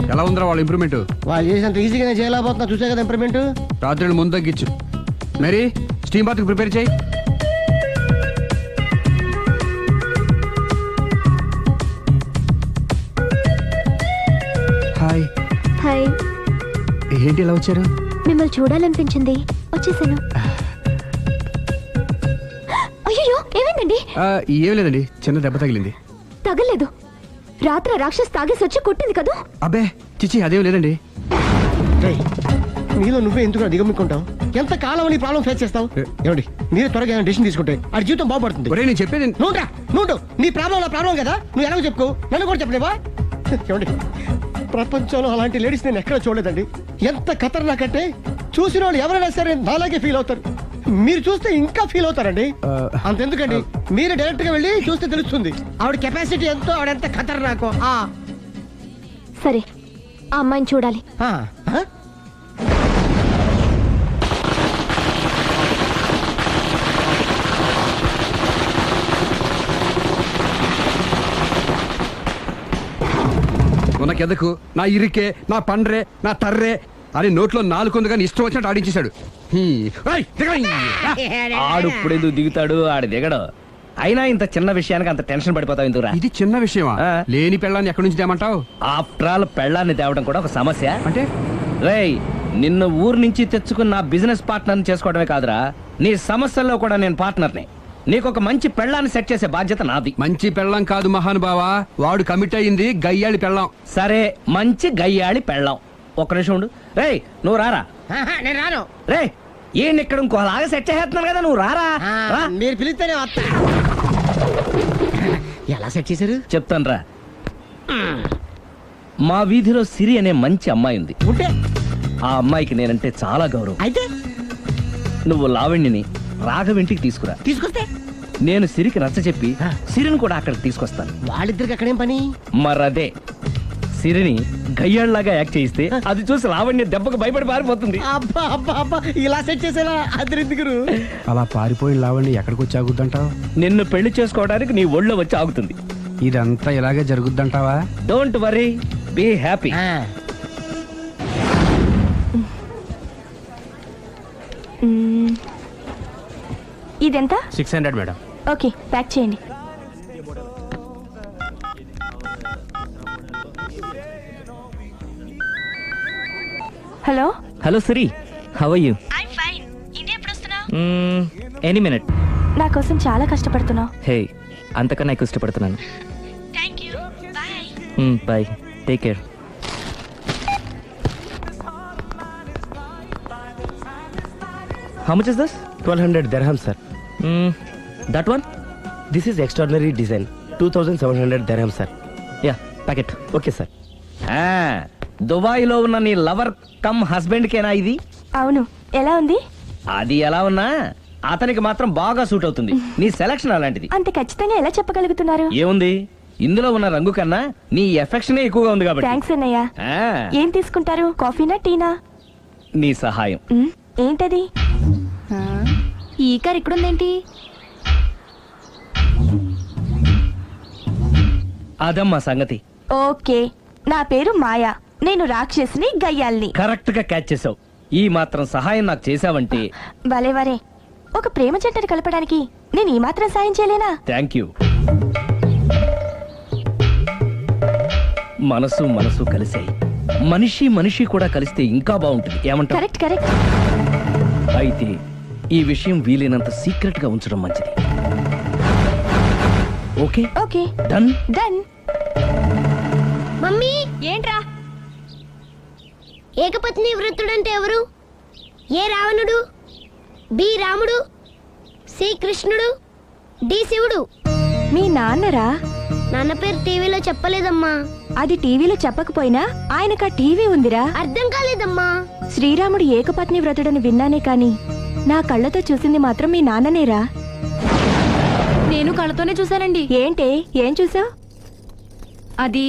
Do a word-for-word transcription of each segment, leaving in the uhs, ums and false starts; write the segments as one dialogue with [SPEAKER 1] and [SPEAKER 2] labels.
[SPEAKER 1] ఎలా ఉందిరా వాళ్ళ ఇంప్రూవ్మెంట్?
[SPEAKER 2] వాళ్ళు చేసినంత ఈజీగానే చేయలేకపోతున్నా, చూసే కదా ఇంప్రూవ్మెంట్.
[SPEAKER 1] రాత్రి ముందు తగ్గించు. మరి స్టీమ్ బాత్ ప్రిపేర్ చేయి. హాయ్.
[SPEAKER 3] హాయ్.
[SPEAKER 1] ఏంటి ఇలా వచ్చారు?
[SPEAKER 3] మిమ్మల్ని చూడాలనిపించింది, వచ్చేసాను. అయ్యో ఏమైందండి?
[SPEAKER 1] ఏం లేదండి, చిన్న దెబ్బ తగిలింది.
[SPEAKER 3] తగలేదు. రాత్రి రాక్షస్ తాగేసి వచ్చి కొట్టింది కదా?
[SPEAKER 1] అబ్బే చిచి అదేం లేదండి.
[SPEAKER 2] నీలో నువ్వే ఎందుకు దిగమ్ముకుంటావు? ఎంత కాలం నీ ప్రాబ్లం ఫేస్ చేస్తావు? ఏమండి మీరే త్వరగా ఏమైనా డిసిషన్ తీసుకుంటే ఆ జీవితం బాగుపడుతుంది.
[SPEAKER 1] ఒరేయ్ నేను చెప్పేది
[SPEAKER 2] నువ్వురా నువ్వు నీ ప్రాబ్లం నా ప్రాబ్లం కదా, నువ్వు ఎలాగో చెప్పుకో, నన్ను కూడా చెప్పలేవా? ఏమండి ప్రపంచంలో అలాంటి లేడీస్ నేను ఎక్కడ చూడలేదండి. ఎంత ఖతర్నాకంటే చూసిన వాళ్ళు ఎవరైనా సరే నాలాగే ఫీల్ అవుతారు. మీరు చూస్తే ఇంకా ఫీల్ అవుతారండి. అంతెందుకండి, మీరు డైరెక్ట్ గా వెళ్ళి చూస్తే తెలుస్తుంది ఆవిడ కెపాసిటీ ఎంతో, ఆవిడ ఎంత ఖతర్నాకో.
[SPEAKER 3] సరే ఆ అమ్మాయిని చూడాలి.
[SPEAKER 1] ఉనకెదకు నా ఇరికే నా పండ్రే నా తర్రే అని నోట్లో నాలుగు కానీ ఇష్టం వచ్చినట్టు ఆడించేశాడు.
[SPEAKER 4] ఆడు ఇప్పుడు ఎందుకు దిగుతాడు, ఆడు దిగడు. అయినా ఇంత చిన్న విషయానికి అంత టెన్షన్ పడిపోతావు ఎందుకురా?
[SPEAKER 1] ఇది చిన్న విషయమా? లేని పెళ్ళాన్ని ఎక్కడి నుంచి తేమంటావు?
[SPEAKER 4] ఆఫ్టర్ ఆల్ పెళ్ళాన్ని తేవడం కూడా ఒక సమస్య
[SPEAKER 1] అంటే?
[SPEAKER 4] రేయ్ నిన్ను ఊరు నుంచి తెచ్చుకున్న నా బిజినెస్ పార్ట్నర్ చేసుకోవడమే కాదురా, నీ సమస్యల్లో కూడా నేను పార్ట్నర్ని. నీకు ఒక మంచి పెళ్ళాన్ని సెట్ చేసే బాధ్యత నాది.
[SPEAKER 1] మంచి పెళ్ళం కాదు మహానుభావా, వాడు కమిట్ అయ్యింది గయ్యాళి పెళ్ళం.
[SPEAKER 4] సరే మంచి గయ్యాళి పెళ్ళాం. ఒక్క నిమిషం ఉండు. రేయ్ నువ్వు రారా.
[SPEAKER 2] నేను రాను.
[SPEAKER 4] రే ఈయన ఇక్కడ ఇంకోలాగా సెట్ చేస్తున్నాను కదా, నువ్వు రారా.
[SPEAKER 2] మీరు పిలిస్తేనే వస్తా. ఎలా సెట్ చేశారు
[SPEAKER 4] చెప్తాను రా. మా వీధిలో సిరి అనే మంచి అమ్మాయి ఉంది.
[SPEAKER 2] ఉంటే
[SPEAKER 4] ఆ అమ్మాయికి నేనంటే చాలా గౌరవం.
[SPEAKER 2] అయితే
[SPEAKER 4] నువ్వు లావణ్యని రాఘవింటికి తీసుకురా.
[SPEAKER 2] తీసుకొస్తే
[SPEAKER 4] నేను సిరికి నచ్చ చెప్పి సిరిని కూడా అక్కడికి తీసుకొస్తాను.
[SPEAKER 2] వాళ్ళిద్దరికి అక్కడేం పని?
[SPEAKER 4] మరదే సిరిని గయ్యాళ్ళలాగా యాక్ట్ చేయిస్తే అది చూసి లావణ్య దెబ్బకు భయపడి పారిపోతుంది.
[SPEAKER 2] అబ్బా అబ్బా అబ్బా ఇలా సెట్ చేసేలా అద్దరిద్దరు.
[SPEAKER 1] అలా పారిపోయి లావండి ఎక్కడికి వచ్చి ఆగుద్దంటావు?
[SPEAKER 4] నిన్ను పెళ్లి చేసుకోవడానికి నీ ఒళ్ళో వచ్చి ఆగుతుంది.
[SPEAKER 1] ఇదంతా ఇలాగే జరుగుద్దంటావా?
[SPEAKER 4] Don't worry, be happy.
[SPEAKER 3] ఇదెంత?
[SPEAKER 1] Six hundred madam.
[SPEAKER 3] Okay pack చేయండి. Hello
[SPEAKER 4] hello Siri, how are you?
[SPEAKER 3] I'm fine. India ఎప్పుడు వస్తున్నావు?
[SPEAKER 4] Any minute.
[SPEAKER 3] నా కోసం చాలా కష్టపడుతున్నావు.
[SPEAKER 4] హే అంతకన్నా ఎక్కువ ఇష్టపడుతున్నాను.
[SPEAKER 3] Thank you. Bye.
[SPEAKER 4] Bye, take care. How much is this?
[SPEAKER 2] twelve hundred dirhams, sir.
[SPEAKER 4] Mm, that one?
[SPEAKER 2] This is extraordinary design. two thousand seven hundred dirhams, sir.
[SPEAKER 4] Yeah, pack it.
[SPEAKER 2] Okay, sir.
[SPEAKER 4] Ah, Dubai లో ఉన్న నీ lover come husband కేనా ఇది?
[SPEAKER 3] అవును. ఎలా ఉంది?
[SPEAKER 4] అది ఎలా ఉన్నా అతనికి మాత్రం బాగా సూట్ అవుతుంది. నీ సెలక్షన్ అలాంటిది.
[SPEAKER 3] అంత ఖచ్చితంగా ఎలా చెప్పగలుగుతున్నారు?
[SPEAKER 4] ఏముంది, ఇందులో ఉన్న రంగు కన్నా నీ ఎఫెక్షనే ఎక్కువగా ఉంది కాబట్టి.
[SPEAKER 3] థ్యాంక్స్ అన్నయ్య. ఏం తీసుకుంటారు, కాఫీనా టీనా?
[SPEAKER 4] నీ సహాయం.
[SPEAKER 3] మ్, ఏంటది? ఈ కార్ ఇక్కడుందేంటి?
[SPEAKER 4] అదమ్మా సంగతి.
[SPEAKER 3] ఓకే, నా పేరు మాయా. నేను రాక్షసిని, గయ్యాల్ని.
[SPEAKER 4] కరెక్ట్ గా క్యాచ్ చేసావు. ఈ మాత్రం సహాయం నాకు చేసావంటే.
[SPEAKER 3] భలే వరే. ఒక ప్రేమ జంటను కలపడానికి నేను ఈ మాత్రం సాయం చేయలేనా?
[SPEAKER 4] Thank you. మనసు మనసు కలిసాయి, మనిషి మనిషి కూడా కలిస్తే ఇంకా బాగుంటుంది. ఏమంటావు?
[SPEAKER 3] Correct correct.
[SPEAKER 4] అయితే ఈ విషయం వీలైనంత సీక్రెట్ గా ఉంచడం మంచిది. Okay
[SPEAKER 3] okay
[SPEAKER 4] done
[SPEAKER 3] done.
[SPEAKER 5] Mummy
[SPEAKER 3] ఏంట్రా?
[SPEAKER 5] ఏకపత్ని వృత్తుడంటే ఎవరు? ఏ రావణుడు, బి రాముడు, సి కృష్ణుడు, డి శివుడు.
[SPEAKER 3] మీ నాన్నరా?
[SPEAKER 5] నాన్న పేరు టీవీలో చెప్పలేదమ్మా.
[SPEAKER 3] అది టీవీలో చెప్పకపోయినా ఆయనకా టీవీ ఉందిరా.
[SPEAKER 5] అర్థం కాలేదమ్మా.
[SPEAKER 3] శ్రీరాముడు ఏకపత్ని వ్రతుడని విన్నానే కాని నా కళ్ళతో చూసింది మాత్రం మీ నాన్ననేరా.
[SPEAKER 6] నేను కళ్ళతోనే చూశానండి.
[SPEAKER 3] ఏంటే, ఏం చూసావు?
[SPEAKER 6] అది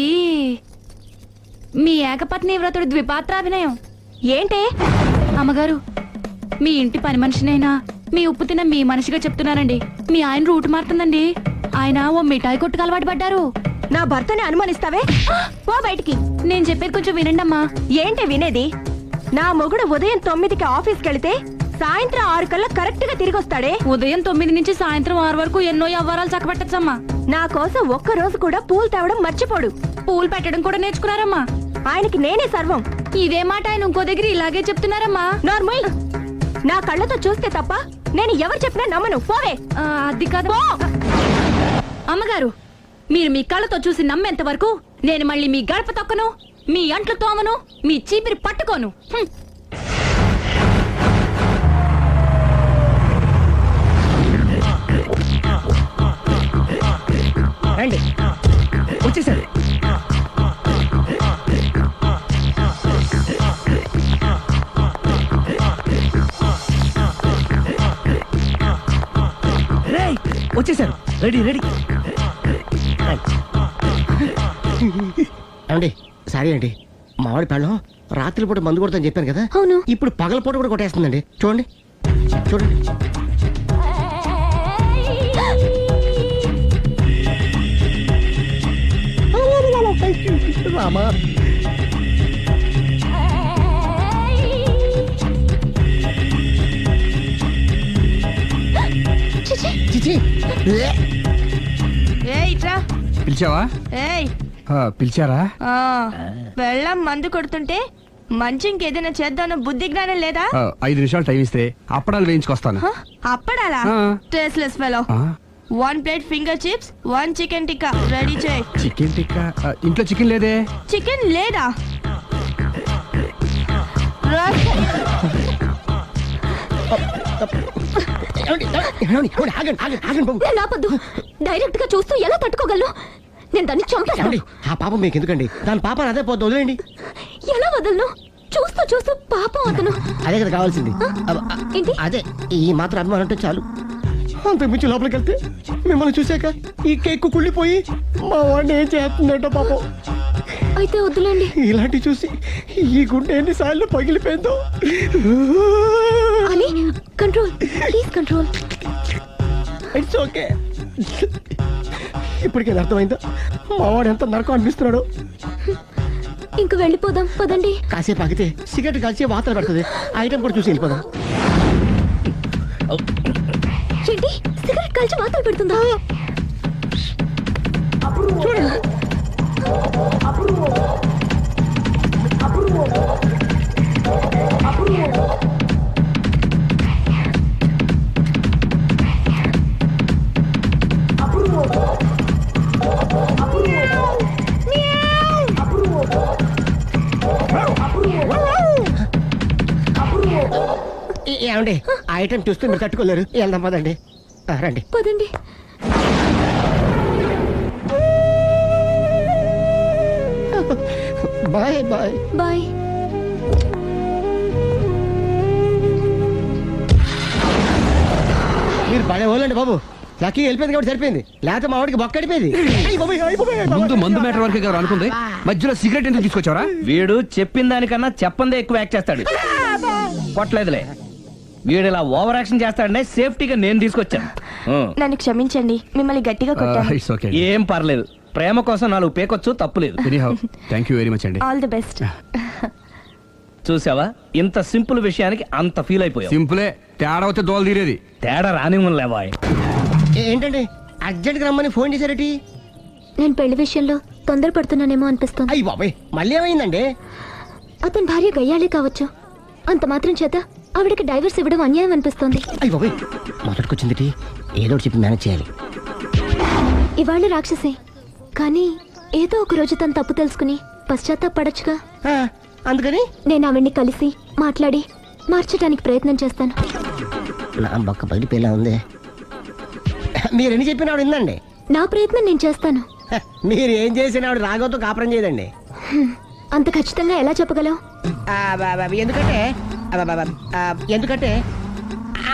[SPEAKER 6] మీ ఏకపత్ని వ్రతుడు ద్విపాత్రాభినయం.
[SPEAKER 3] ఏంటే?
[SPEAKER 6] అమ్మగారు, మీ ఇంటి పని మనిషినైనా మీ ఉప్పు తిన్న మీ మనిషిగా చెప్తున్నానండి. మీ ఆయన రూట్ మారుతుందండి. ఆయన ఓ మిఠాయి కొట్టుకు అలవాటు పడ్డారు.
[SPEAKER 3] నా భర్తని అనుమానిస్తావే పో బయటికి.
[SPEAKER 6] నేను చెప్పేది కొంచెం వినండి అమ్మా.
[SPEAKER 3] ఏంటి వినేది? నా మొగుడు ఉదయం తొమ్మిదికి ఆఫీస్కి వెళితే సాయంత్రం ఆరు కల్లా కరెక్ట్ గా తిరిగి వస్తాడే.
[SPEAKER 6] ఉదయం తొమ్మిది నుంచి సాయంత్రం ఆరు వరకు ఎన్నో వ్యవహారాలు చక్కబెట్టచ్చమ్మా.
[SPEAKER 3] నా కోసం ఒక్క రోజు కూడా పూలు తేవడం మర్చిపోడు.
[SPEAKER 6] పూలు పెట్టడం కూడా నేర్చుకున్నారమ్మా.
[SPEAKER 3] ఆయనకి నేనే సర్వం.
[SPEAKER 6] ఇదే మాట ఆయన ఇంకో దగ్గర ఇలాగే చెప్తున్నారమ్మా.
[SPEAKER 3] నార్మల్. నా కళ్ళతో చూస్తే తప్ప నేను ఎవరు చెప్పినా నమ్మను. పోవే.
[SPEAKER 6] ఆ, అది కాదు అమ్మగారు. మీరు మీ కళ్ళతో చూసి నమ్మేంత వరకు నేను మళ్ళీ మీ గడప తొక్కను, మీ అంట్లు తోమను, మీ చీపిరి పట్టుకోను. హ్మ్.
[SPEAKER 2] రండి.
[SPEAKER 4] వచ్చేసారు. రేయ్, వచ్చేసారు. Ready ready.
[SPEAKER 2] ఏమండి సారీ అండి, మామిడి పళ్ళం రాత్రిపూట మందు కొడతాను చెప్పాను కదా.
[SPEAKER 3] అవును.
[SPEAKER 2] ఇప్పుడు పగలపూట కూడా కొట్టేస్తుందండి. చూడండి చూడండి. రామా. చిచి.
[SPEAKER 1] పిలిచావా? ఆ, పిలిచారా?
[SPEAKER 3] వెళ్ళం మందు కొడుతుంటే మంచి ఇంకేదైనా చేద్దామన్న బుద్ధి జ్ఞానం లేదా?
[SPEAKER 1] ఆ, ఐదు నిమిషాలు టైం ఇస్తే అప్పడాలు వేయించుకొస్తాను.
[SPEAKER 3] అప్పడాలా?
[SPEAKER 1] ఆ.
[SPEAKER 3] Tasteless fellow.
[SPEAKER 1] ఆ,
[SPEAKER 3] one plate finger chips, one chicken tikka ready చేయి.
[SPEAKER 1] చికెన్ టిక్కా? ఆ, ఇంట్లో చికెన్ లేదే.
[SPEAKER 3] చికెన్ లేదా?
[SPEAKER 2] ఏమండి, ఏమండి, ఏమండి, ఆగండి ఆగండి ఆగండి బాబు.
[SPEAKER 3] నేను ఆపొద్దు. డైరెక్ట్ గా చూస్తూ ఎలా తట్టుకోగలను? నేను దాన్ని చంపేస్తాను.
[SPEAKER 2] ఏమండి, ఆ పాపం మీకు ఎందుకండి? దాని పాప అదే పోతుంది, వదిలేండి.
[SPEAKER 3] ఎలా వదలను? చూస్తూ చూస్తూ పాపం అతను.
[SPEAKER 2] అదే కదా కావాల్సింది. అబ్బ, అ-
[SPEAKER 3] ఏంటి?
[SPEAKER 2] అదే ఈ మాత్రం అభిమానం అంటే చాలు. అంతకు మించి లోపలికి వెళ్తే మిమ్మల్ని చూసాక ఈ కేక్ కుళ్ళిపోయి మా వాడిని ఏం చేస్తుందంటో పాపం.
[SPEAKER 3] అయితే వద్దులేండి.
[SPEAKER 2] ఇలాంటి చూసి ఈ గుండె ఎన్నిసార్లు పగిలిపోయిందో.
[SPEAKER 3] అని control, please control.
[SPEAKER 2] It's okay. ఇప్పటికే అర్థమైందా మా వాడు ఎంత నరకం అనిపిస్తున్నాడో?
[SPEAKER 3] ఇంక వెళ్ళిపోదాం పదండి.
[SPEAKER 2] కాసేపు ఆగితే సిగరెట్ కాల్చి వాతలు పెడుతుంది. ఆ ఐటమ్ కూడా చూసి వెళ్ళిపోదాం.
[SPEAKER 3] ఏంటి సిగరెట్ కాల్చి వాతలు పెడుతుందా?
[SPEAKER 2] చూడండి. ఏ- ఏమండి ఆ ఐటమ్ చూస్తే మీరు తట్టుకోలేరు. వెళ్దాం పదండి. ఆ, రండి.
[SPEAKER 3] పదండి.
[SPEAKER 2] Bye bye.
[SPEAKER 3] బాయ్.
[SPEAKER 2] మీరు పడే వాళ్ళండి బాబు. లక్కీ వెళ్ళిపోయింది కాబట్టి సరిపోయింది, లేకపోతే మా వాడికి బొక్క అడిపోయింది.
[SPEAKER 1] ముందు మందు మ్యాటర్ వరకే కదా అనుకుంది, మధ్యలో సిగరెట్ ఎందుకు తీసుకొచ్చావరా?
[SPEAKER 4] వీడు చెప్పిన దానికన్నా చెప్పందే ఎక్కువ యాక్ట్ చేస్తాడు. కొట్టలేదులే. వీడు ఇలా ఓవర్ యాక్షన్ చేస్తాడనే సేఫ్టీగా నేను తీసుకొచ్చాను. ఆ.
[SPEAKER 3] నన్ను క్షమించండి, మిమ్మల్ని గట్టిగా కొట్టాను.
[SPEAKER 1] It's okay.
[SPEAKER 4] ఏం పర్లేదు. ప్రేమ కోసం నాలుగు పేకొచ్చు, తప్పులేదు.
[SPEAKER 1] Anyhow thank you very much అండి.
[SPEAKER 3] All the best.
[SPEAKER 4] చూసావా, ఇంత సింపుల్ విషయానికి అంత ఫీల్ అయిపోయావు.
[SPEAKER 1] సింపులే, తేడా వస్తే దోలు తీరేది.
[SPEAKER 4] తేడా రానివ్వలేవా?
[SPEAKER 2] ఏంటండి అర్జెంట్గా రమ్మని ఫోన్ చేశారటి?
[SPEAKER 3] నేను పెళ్లి విషయంలో తొందరపడుతున్నానేమో అనిపిస్తుంది.
[SPEAKER 2] అయ్యి బాబాయ్, మళ్ళీ ఏమైందండి?
[SPEAKER 3] అతని భార్య గయ్యాలే కావచ్చు, అంత మాత్రం చేత ఆవిడకి డైవర్స్ ఇవ్వడం అన్యాయం అనిపిస్తోంది.
[SPEAKER 2] అయ్యి బాబాయ్, మొదటికొచ్చింది ఏదో ఒకటి చెప్పి మేనేజ్ చేయాలి.
[SPEAKER 3] ఇవాళ రాక్షసే, కానీ ఏదో ఒక రోజు తను తప్పు తెలుసుకుని పశ్చాత్తాపడొచ్చుగా.
[SPEAKER 2] ఆ, అందుకని
[SPEAKER 3] నేను ఆవిడ్ని కలిసి మాట్లాడి మార్చడానికి ప్రయత్నం చేస్తాను.
[SPEAKER 2] నా బొక్క పగిలిపోయేలా ఉంది. మీరు ఎన్ని చెప్పిన ఆవిడ ఉందండి.
[SPEAKER 3] నా ప్రయత్నం నేను చేస్తాను.
[SPEAKER 2] హ, మీరు ఏం చేసిన ఆవిడ రాగోతో కాపురం చేయదండి.
[SPEAKER 3] హ్మ్. అంత ఖచ్చితంగా ఎలా చెప్పగలవు?
[SPEAKER 2] ఆ, బా- బా- ఎందుకంటే ఆ, బా- బా- ఆ, ఎందుకంటే ఆ,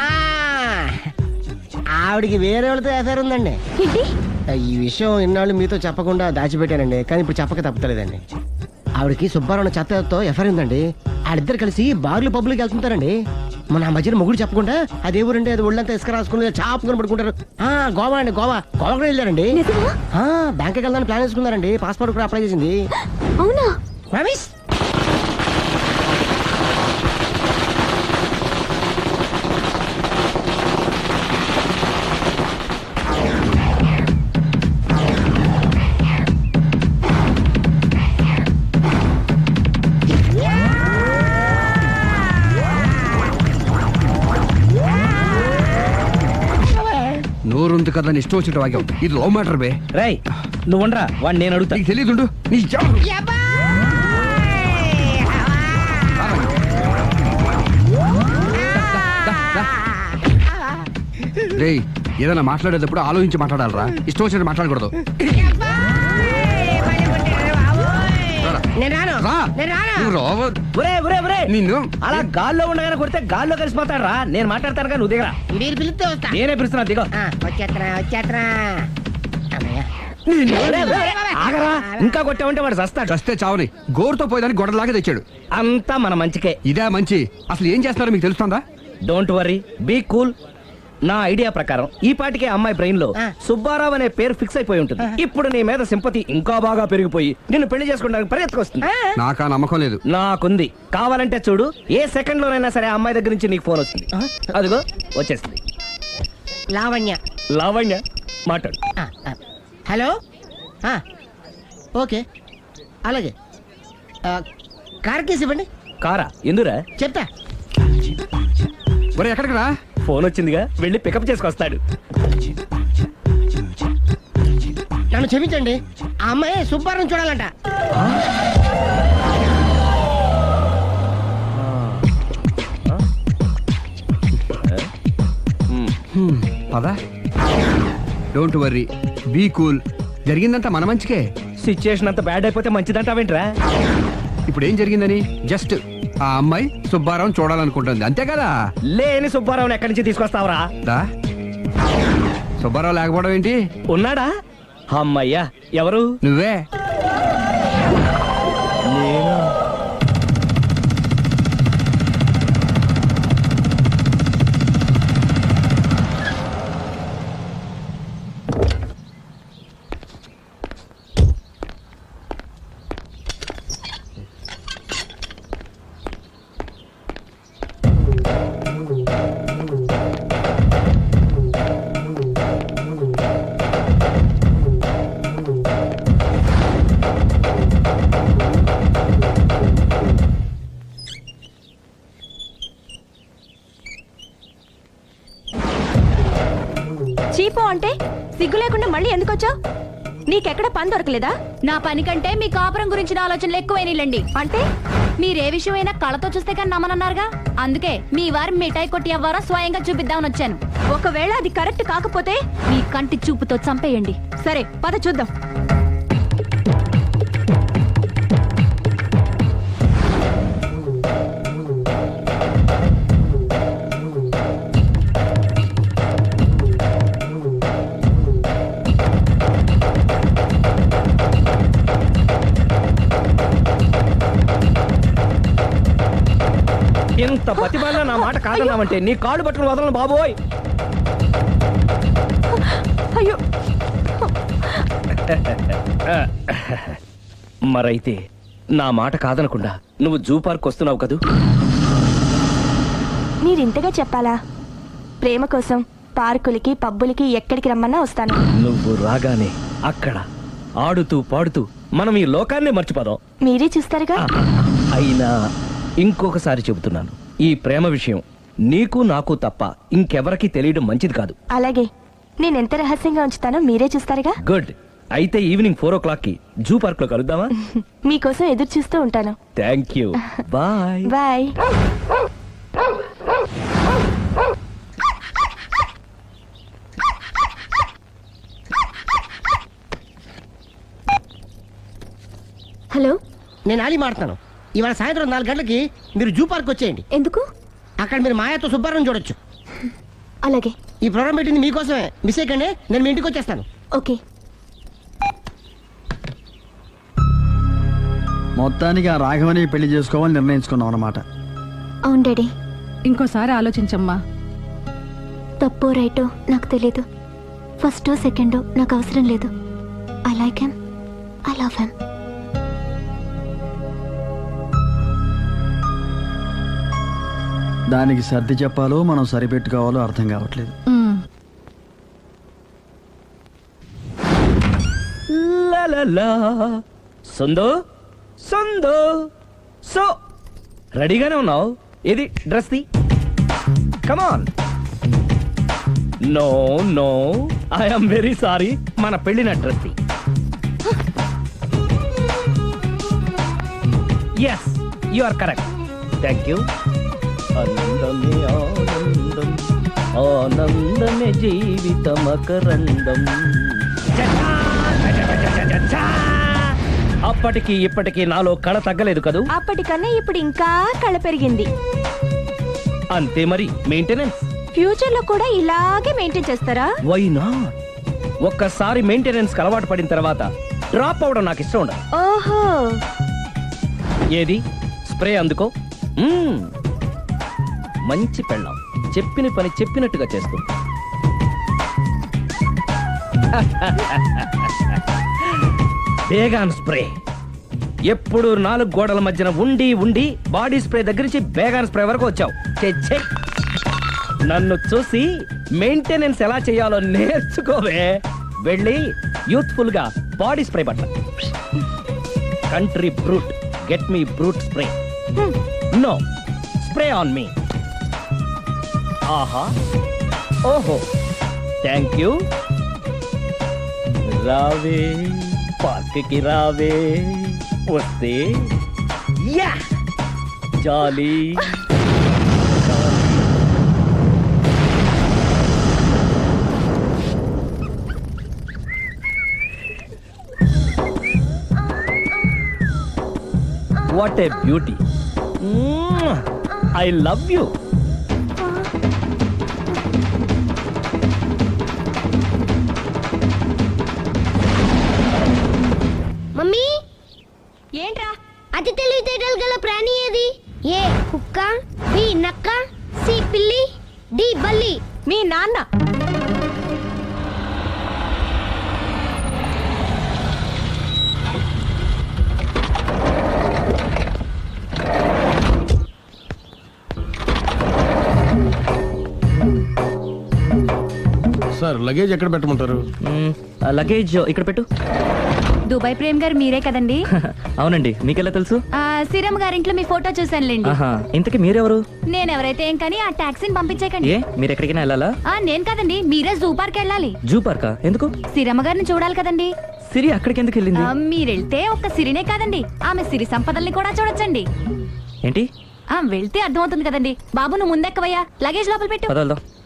[SPEAKER 2] ఆవిడికి వేరే వాళ్ళతో ఎఫైర్ ఉందండి.
[SPEAKER 3] ఏంటి?
[SPEAKER 2] ఈ విషయం ఇన్నాళ్ళు మీతో చెప్పకుండా దాచిపెట్టానండి, కానీ ఇప్పుడు చెప్పక తప్పుతలేదండి. ఆవిడకి సుబ్బారావు చెత్తతో ఎఫైర్ ఉందండి. వాళ్ళిద్దరు కలిసి బార్లు పబ్లిక్ వెళ్తుంటారండి. మన ఆ మధ్యన మొగుడు చెప్పకుండా అదే ఊరండి అది ఒళ్ళంతా ఇసుక రాసుకుని చాపుకొని పడుకుంటారు. ఆ గోవా అండి, గోవా గోవా కూడా వెళ్ళారండి.
[SPEAKER 3] నిజమా?
[SPEAKER 2] ఆ బ్యాంక్కి వెళ్దామని ప్లాన్ వేసుకున్నారండి. పాస్పోర్ట్ కూడా అప్లై చేసింది.
[SPEAKER 3] అవునా?
[SPEAKER 2] రమేష్
[SPEAKER 1] నోరుంది కదా అని ఇష్టం వచ్చినట్టు వాక్యం. ఇది లవ్ మ్యాటర్ బే.
[SPEAKER 4] రై నువ్వు ఉండరా వాడిని నేను అడుగుతా.
[SPEAKER 1] నీకు తెలియదుండు నీ జా- రేయ్ ఏదైనా మాట్లాడేటప్పుడు ఆలోచించి మాట్లాడాలరా, ఇష్టం వచ్చినట్టు మాట్లాడకూడదు.
[SPEAKER 2] నేను రాను
[SPEAKER 1] రా.
[SPEAKER 2] నేను రాను.
[SPEAKER 1] నువ్వు రావ-
[SPEAKER 4] ఒరే ఒరే ఒరే
[SPEAKER 1] నిన్ను
[SPEAKER 4] అలా గాల్లో ఉండగానే కొడితే గాల్లో కలిసిపోతాడు రా. నేను మాట్లాడతాను కానీ నువ్వు దిగరా.
[SPEAKER 2] మీరు పిలిస్తే వస్తా.
[SPEAKER 4] నేనే పిలుస్తున్నా దిగో.
[SPEAKER 2] ఆ, వచ్చేత్తనా వచ్చేత్తనా. అమ్మయ్య.
[SPEAKER 4] ఒరే, ఒరే, ఒరే, ఆగరా. ఇంకా కొట్టావంటే వాడు చస్తాడు.
[SPEAKER 1] చస్తే చావని గోరుతో పోయేదాన్ని గొడవలాగా తెచ్చాడు.
[SPEAKER 4] అంతా మన మంచికే.
[SPEAKER 1] ఇదే మంచి. అసలు ఏం చేస్తారో మీకు తెలుస్తుందా?
[SPEAKER 4] Don't worry, be cool. నా ఐడియా ప్రకారం ఈ పాటికే అమ్మాయి బ్రెయిన్ లో
[SPEAKER 2] ఆ.
[SPEAKER 4] సుబ్బారావు అనే పేరు ఫిక్స్ అయిపోయి ఉంటుంది. ఇప్పుడు నీ మీద సింపతి ఇంకా బాగా పెరిగిపోయి నిన్ను పెళ్లి చేసుకోవడానికి పరిగెత్తుకొస్తుంది.
[SPEAKER 1] నాకా నమ్మకం లేదు.
[SPEAKER 4] నాకుంది. కావాలంటే చూడు, ఏ సెకండ్ లోనైనా సరే ఆ అమ్మాయి దగ్గర నుంచి నీకు ఫోన్ వస్తుంది. అదిగో వచ్చేస్తుంది.
[SPEAKER 2] లావణ్య.
[SPEAKER 4] లావణ్య మాట్లాడు.
[SPEAKER 2] ఆ, ఆ. హలో ఆ, ఓకే అలాగే ఆ, కార్ కేసు ఇవ్వండి.
[SPEAKER 4] కారా ఎందురా?
[SPEAKER 2] చెప్తా.
[SPEAKER 1] ఒరే ఎక్కడికి రా?
[SPEAKER 4] ఫోన్ వచ్చిందిగా, వెళ్ళి పికప్ చేసుకొస్తాడు.
[SPEAKER 2] నన్ను క్షమించండి, ఆ అమ్మాయి సుబ్బారం చూడాలంట.
[SPEAKER 1] పదా. Don't worry, be cool. జరిగిందంతా మన మంచికే.
[SPEAKER 4] సిచ్యుయేషన్ అంత బ్యాడ్ అయిపోతే మంచిదంటావేంట్రా?
[SPEAKER 1] ఇప్పుడు ఏం జరిగిందని జస్ట్ ఆ అమ్మాయి సుబ్బారావు చూడాలనుకుంటుంది అంతే కదా.
[SPEAKER 4] లేని సుబ్బారావుని ఎక్కడి నుంచి తీసుకొస్తావరా?
[SPEAKER 1] దా. సుబ్బారావు లేకపోవడం ఏంటి?
[SPEAKER 4] ఉన్నాడా? అమ్మయ్యా, ఎవరు?
[SPEAKER 1] నువ్వే.
[SPEAKER 6] చీపో అంటే సిగ్గు లేకుండా మళ్ళీ ఎందుకు వచ్చావు? నీకెక్కడ పని దొరకలేదా? నా పని కంటే మీ కాపురం గురించిన ఆలోచనలు ఎక్కువైనాయిలండి. అంటే మీరే విషయమైనా కళ్ళతో చూస్తే కానీ నమ్మనన్నారుగా, అందుకే మీ వారి మిఠాయి కొట్టి అవ్వారో స్వయంగా చూపిద్దామని వచ్చాను. ఒకవేళ అది కరెక్ట్ కాకపోతే మీ కంటి చూపుతో చంపేయండి. సరే పద చూద్దాం.
[SPEAKER 4] ఎంత ప్రతిభలో నా మాట కాదన్నావంటే నీ కాళ్ళు పట్టుకుని వదలను బాబోయ్.
[SPEAKER 6] అయ్యో,
[SPEAKER 4] మరైతే నా మాట కాదనకుండా నువ్వు జూ పార్క్ వస్తున్నావు కదూ?
[SPEAKER 7] మీరింతగా చెప్పాలా? ప్రేమ కోసం పార్కులకి పబ్బులకి ఎక్కడికి రమ్మన్నా వస్తాను.
[SPEAKER 4] నువ్వు రాగానే అక్కడ ఆడుతూ పాడుతూ మనం ఈ లోకాన్ని మర్చిపోదాం.
[SPEAKER 7] మీరే చూస్తారుగా.
[SPEAKER 4] అయినా ఇంకొకసారి చెబుతున్నాను, ఈ ప్రేమ విషయం నీకు నాకు తప్ప ఇంకెవరికి తెలియడం మంచిది కాదు.
[SPEAKER 7] అలాగే, నేనెంత రహస్యంగా ఉంచుతానో మీరే చూస్తారుగా.
[SPEAKER 4] గుడ్. అయితే ఈవినింగ్ ఫోర్ ఓ క్లాక్ కి జూ పార్క్ లో కలుద్దామా?
[SPEAKER 7] మీకోసం ఎదురు చూస్తూ ఉంటాను.
[SPEAKER 4] Thank you. Bye.
[SPEAKER 7] Bye.
[SPEAKER 3] Hello,
[SPEAKER 2] నేను ఆలి మాడుతాను. ఇవాళ సాయంత్రం నాలుగు గంటలకి మీరు జూ పార్క్ వచ్చేయండి.
[SPEAKER 3] ఎందుకు?
[SPEAKER 2] అక్కడ మీరు మాయాతో సుబ్బారం చూడొచ్చు.
[SPEAKER 3] అలాగే.
[SPEAKER 2] ఈ ప్రోగ్రామ్ పెట్టింది మీకోసమే. మిస్ అయ్యకండి, నేను మీ ఇంటికి వచ్చేస్తాను.
[SPEAKER 3] ఓకే.
[SPEAKER 8] మొత్తానికి ఆ రాఘవని పెళ్లి చేసుకోవాలని నిర్ణయించుకున్నాం అన్నమాట.
[SPEAKER 3] అవును డాడీ.
[SPEAKER 6] ఇంకోసారి ఆలోచించమ్మా.
[SPEAKER 3] తప్పో రైటో నాకు తెలీదు. ఫస్టో సెకండో నాకు అవసరం లేదు. I like him, I love him.
[SPEAKER 8] దానికి సర్ది చెప్పాలో మనం సరిపెట్టుకోవాలో అర్థం కావట్లేదు.
[SPEAKER 4] లలలా. సందో సందో సో రెడీగానే ఉన్నావు? ఇది డ్రెస్ ది. Come on. No no I'm very sorry. మన పెళ్ళిన డ్రెస్ ది. Yes you are correct. Thank you. ఆనందమే ఆనందం, ఆనందమే జీవితమకరందం. అప్పటికి ఇప్పటికి నాలో కళ తగ్గలేదు కదూ?
[SPEAKER 7] అప్పటికన్నా ఇప్పుడు ఇంకా కళ పెరిగింది.
[SPEAKER 4] అంతే మరి. మెయింటెనెన్స్
[SPEAKER 7] ఫ్యూచర్ లో కూడా ఇలాగే మెయింటైన్ చేస్తారా?
[SPEAKER 4] Why not? ఒక్కసారి మెయింటెనెన్స్ కి అలవాటు పడిన తర్వాత డ్రాప్ అవడం నాకు ఇష్టం ఉండదు.
[SPEAKER 7] ఓహో,
[SPEAKER 4] ఏది స్ప్రే అందుకో. మ్మ్. మంచి పెళ్ళాం, చెప్పిన పని చెప్పినట్టుగా చేస్తుంది. Baygon spray. ఎప్పుడు నాలుగు గోడల మధ్యన ఉండి ఉండి బాడీ స్ప్రే దగ్గర నుంచి బేగాన్ స్ప్రే వరకు వచ్చావు. ఛే, ఛే. నన్ను చూసి మెయింటెనెన్స్ ఎలా చేయాలో నేర్చుకోవే. వెళ్ళి యూత్ఫుల్ గా బాడీ స్ప్రే పట్ల. Country Brut, get me Brut spray. No spray on me. ఆహా, ఓహో, థ్యాంక్ యూ. రావే పార్క్కి రావే, వస్తే యా jolly. What a beauty. I love you.
[SPEAKER 5] Mummy,
[SPEAKER 6] ఏంట్రా?
[SPEAKER 5] అతి తెలివితేటలు గల ప్రాణి ఏది? ఏ కుక్క, బి నక్క, సి పిల్లి, డి బల్లి.
[SPEAKER 6] మీ నాన్న.
[SPEAKER 2] సార్ లగేజ్ ఎక్కడ పెట్టమంటారు?
[SPEAKER 9] లగేజ్ ఇక్కడ పెట్టు.
[SPEAKER 6] దుబాయ్ ప్రేమ్ గారు మీరే కదండి?
[SPEAKER 9] అవునండి, మీకెలా తెలుసు?
[SPEAKER 6] ఆ, శ్రీరామ్ గారింట్లో మీ ఫోటో చూసానులేండి.
[SPEAKER 9] ఆహా, ఇంతకీ మీరెవరు?
[SPEAKER 6] నేను ఎవరైతే ఏం కానీ ఆ టాక్సీని పంపించేకండి.
[SPEAKER 9] ఏ మీరు ఎక్కడికైనా వెళ్ళాలా?
[SPEAKER 6] ఆ, నేను కదండి, మీరే జూ పార్క్ వెళ్ళాలి.
[SPEAKER 9] జూ పార్కా? ఎందుకు?
[SPEAKER 6] సిరమ్మ గారిని చూడాలి కదండి.
[SPEAKER 9] సిరి అక్కడికి ఎందుకు వెళ్ళింది?
[SPEAKER 6] ఆ, మీరెళ్తే ఒక్క సిరినే కాదండి, ఆమె సిరి సంపదల్ని కూడా చూడొచ్చండి.
[SPEAKER 9] ఏంటి?
[SPEAKER 6] ఆ, వెళ్తే అర్థమవుతుంది కదండి. బాబు నువ్వు ముందెక్కవయ్యా, లగేజ్ లోపల పెట్టు.
[SPEAKER 9] పదవల్దాం.